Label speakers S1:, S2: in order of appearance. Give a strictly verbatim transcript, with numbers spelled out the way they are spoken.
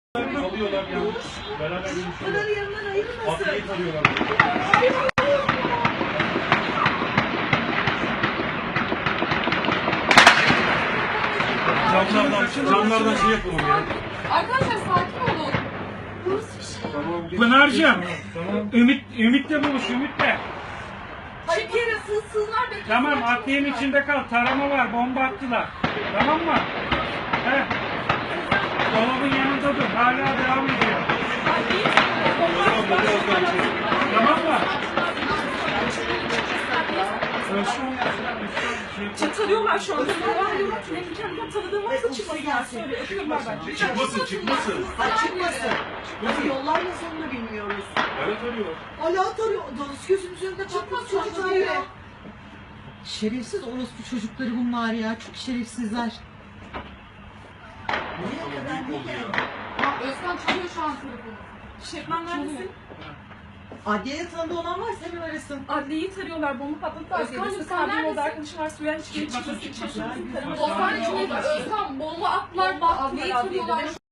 S1: Alıyorlar yani. Beraber görüşüyorlar.
S2: Paraları yanından ayırmasın.
S1: Atlayı tarıyorlar. Camlardan, camlardan şey yapalım ya.
S3: Arkadaşlar sakin olun.
S2: Burası bir şey.
S1: Tamam.
S4: Pınar'cığım,
S1: Tamam.
S4: Ümit, Ümit'le buluş, Ümit'le.
S3: Hayır bir yere sığsınlar beklesinler.
S4: Tamam, atlayın içinde kal. Tarama var, bomba attılar. Tamam mı? He. Dolabın yanında dur, hala devam ediyor. Tamam mı?
S3: Çıtırıyorlar şu anda. Benim kendimden tanıdığım varsa çıkmasınlar. Söyle öpüyorlar bence.
S1: Çıkmasın, çıkmasın.
S2: Ay çıkmasın. Nasıl yollar yazılını bilmiyoruz.
S1: Evet arıyor.
S2: Hala tarıyor. Dans gözümüzün önünde patladı çocuk arıyor. Şerefsiz orospu çocukları bunlar ya. Çok şerefsizler. Nereye kadar ne geldi?
S3: Özkan çalıyor şu an telefonu. Şebnem neredesin?
S2: Adliye'de tanıdığı olan varsa hemen arasın.
S3: Adliyeyi tarıyorlar. Bomba patladılar. Özkan'cığım sen neredesin? Orada arkadaşım var. Suya hiç gelip çıkmasın. Şaşırmasın. Osman için Özkan bomba attılar. Adliyeyi tarıyorlar.